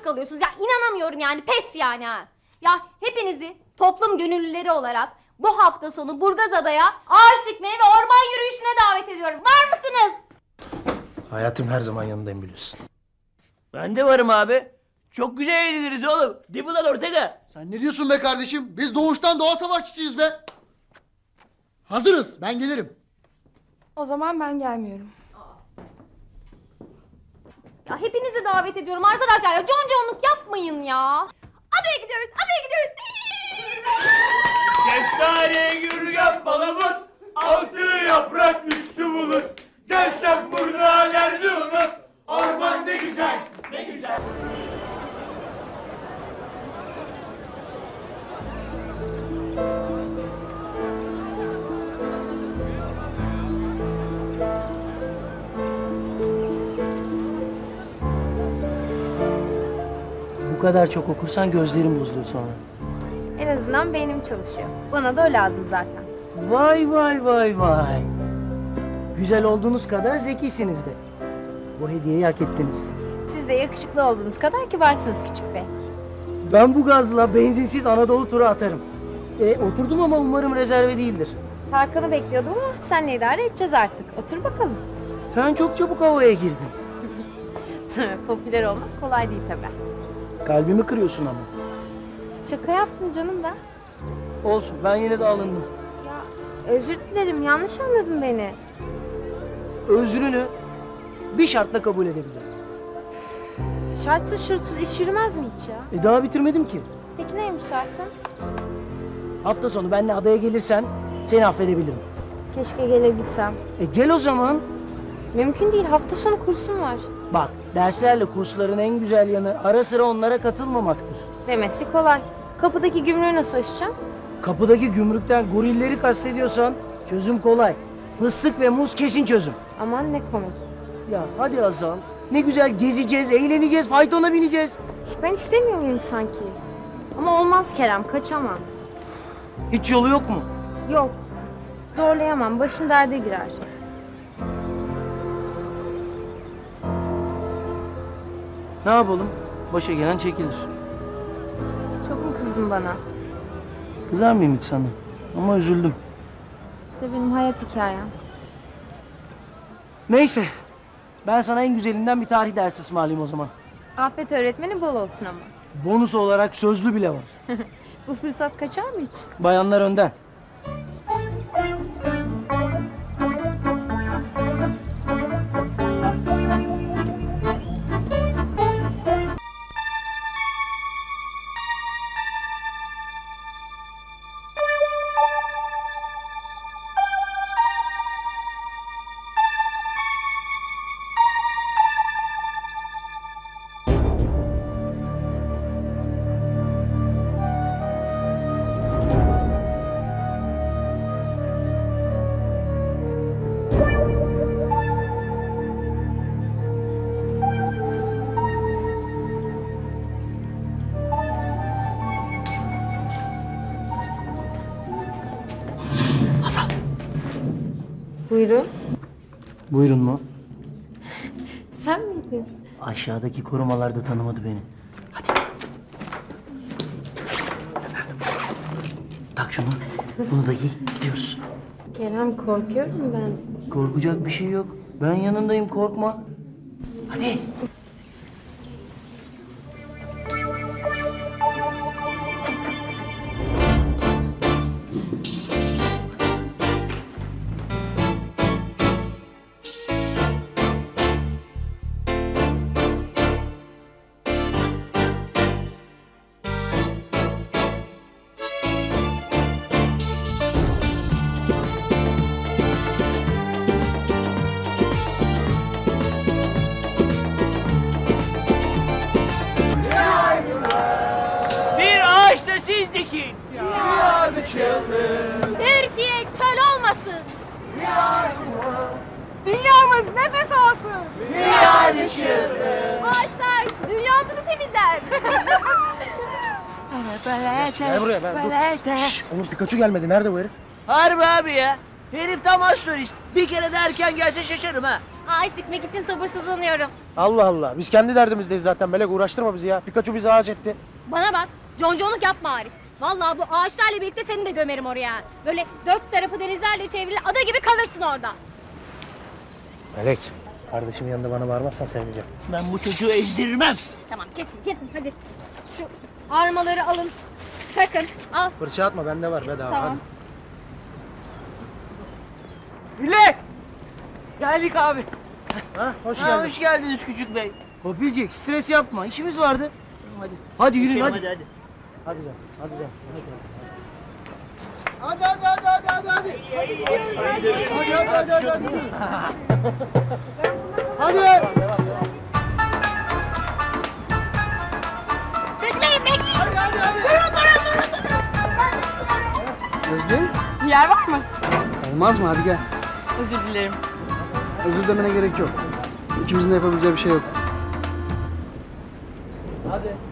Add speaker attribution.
Speaker 1: kalıyorsunuz. Ya inanamıyorum yani, pes yani ha. Ya hepinizi toplum gönüllüleri olarak bu hafta sonu Burgazada'ya ağaç dikmeye ve orman yürüyüşüne davet ediyorum. Var mısınız?
Speaker 2: Hayatım her zaman yanındayım biliyorsun.
Speaker 3: Ben de varım abi. Çok güzel eğleniriz oğlum. Değil mi lan Ortega?
Speaker 4: Sen ne diyorsun be kardeşim? Biz doğuştan doğa savaşçısıyız be. Hazırız. Ben gelirim.
Speaker 5: O zaman ben gelmiyorum.
Speaker 1: Ya hepinizi davet ediyorum arkadaşlar. Ya conconluk yapmayın ya. Adaya gidiyoruz, adaya gidiyoruz.
Speaker 3: Kestane yürüyen palamut, altı yaprak üstü bulut. Gelsem burada derdi unut. Orman ne güzel, ne güzel.
Speaker 2: Bu kadar çok okursan gözlerim bozulur sonra.
Speaker 5: En azından beynim çalışıyor. Bana da o lazım zaten.
Speaker 2: Vay vay vay vay. Güzel olduğunuz kadar zekisiniz de. Bu hediyeyi hak ettiniz.
Speaker 5: Siz de yakışıklı olduğunuz kadar kibarsınız küçük bey.
Speaker 2: Ben bu gazla benzinsiz Anadolu turu atarım. Oturdum ama umarım rezerve değildir.
Speaker 5: Tarkan'ı bekliyordum ama senle idare edeceğiz artık. Otur bakalım.
Speaker 2: Sen çok çabuk havaya girdin.
Speaker 5: Popüler olmak kolay değil tabii.
Speaker 2: Kalbimi kırıyorsun ama.
Speaker 5: Şaka yaptım canım ben.
Speaker 2: Olsun, ben yine de alındım.
Speaker 5: Ya özür dilerim, yanlış anladın beni.
Speaker 2: Özrünü bir şartla kabul edebilirim.
Speaker 5: Şartsız şurtsuz iş yürümez mi hiç ya?
Speaker 2: Daha bitirmedim ki.
Speaker 5: Peki neymiş şartın?
Speaker 2: Hafta sonu benimle adaya gelirsen seni affedebilirim.
Speaker 5: Keşke gelebilsem.
Speaker 2: Gel o zaman.
Speaker 5: Mümkün değil, hafta sonu kursum var.
Speaker 2: Bak, derslerle kursların en güzel yanı ara sıra onlara katılmamaktır.
Speaker 5: Demesi kolay. Kapıdaki gümrüğü nasıl aşacağım?
Speaker 2: Kapıdaki gümrükten gorilleri kastediyorsan çözüm kolay. Fıstık ve muz kesin çözüm.
Speaker 5: Aman ne komik.
Speaker 2: Ya hadi Hasan. Ne güzel gezeceğiz, eğleneceğiz, faytona bineceğiz.
Speaker 5: Ben istemiyor muyum sanki? Ama olmaz Kerem, kaçamam.
Speaker 2: Hiç yolu yok mu?
Speaker 5: Yok, zorlayamam, başım derde girer.
Speaker 2: Ne yapalım? Başa gelen çekilir.
Speaker 5: Çok mu kızdın bana?
Speaker 2: Kızar mıyım hiç sana? Ama üzüldüm.
Speaker 5: İşte benim hayat hikayem.
Speaker 2: Neyse. Ben sana en güzelinden bir tarih dersi ısmarlayayım o zaman.
Speaker 5: Afet öğretmeni bol olsun ama.
Speaker 2: Bonus olarak sözlü bile var.
Speaker 5: Bu fırsat kaçar mı hiç?
Speaker 2: Bayanlar önden.
Speaker 5: Buyurun.
Speaker 2: Buyurun mu?
Speaker 5: Sen miydin?
Speaker 2: Aşağıdaki korumalar da tanımadı beni. Hadi. Tak şunu. Bunu da giy. Gidiyoruz.
Speaker 5: Kerem, korkuyorum ben.
Speaker 2: Korkacak bir şey yok. Ben yanındayım, korkma. Hadi.
Speaker 3: Bir ağaç da siz dikin.
Speaker 1: Türkiye çöl olmasın.
Speaker 5: Dünyamız nefes alsın.
Speaker 1: Ağaçlar dünyamızı temizler.
Speaker 2: Gel buraya ben. Şşş, Onur Pikachu gelmedi. Nerede bu herif?
Speaker 3: Harbi abi ya. Herif tam astrolist. Bir kere de erken gelse şaşarım ha.
Speaker 1: Ağaç dikmek için sabırsızlanıyorum.
Speaker 2: Allah Allah. Biz kendi derdimizdeyiz zaten Melek. Uğraştırma bizi ya. Pikachu bizi ağaç etti.
Speaker 1: Bana bak, conconluk yapma Arif. Vallahi bu ağaçlarla birlikte seni de gömerim oraya. Böyle 4 tarafı denizlerle çevrili ada gibi kalırsın orada.
Speaker 2: Melek. Kardeşimin yanında bana bağırmazsan sevmeyeceğim.
Speaker 3: Ben bu çocuğu ezdirmem.
Speaker 1: Tamam kesin hadi. Şu armaları alın. Takın, al.
Speaker 2: Fırça atma bende var bedava.
Speaker 1: Tamam.
Speaker 3: Millet! Geldik abi.
Speaker 2: Ha, hoş
Speaker 3: Ha,
Speaker 2: geldin.
Speaker 3: hoş geldiniz küçük bey.
Speaker 2: Kopilcik stres yapma. İşimiz vardı. Hadi. Hadi yürüyün
Speaker 3: Geçelim,
Speaker 2: hadi.
Speaker 3: hadi.
Speaker 2: Hadi canım. Hadi canım.
Speaker 4: Hadi hadi hadi hadi hadi hadi. Hadi hadi hadi hadi. Hadi.
Speaker 1: Bekleyin.
Speaker 4: Hadi hadi hadi. Özge?
Speaker 5: Yer var mı?
Speaker 4: Olmaz mı? Hadi gel.
Speaker 5: Özür dilerim.
Speaker 4: Özür demene gerek yok. İkimizin de yapabileceği bir şey yok.
Speaker 2: Hadi.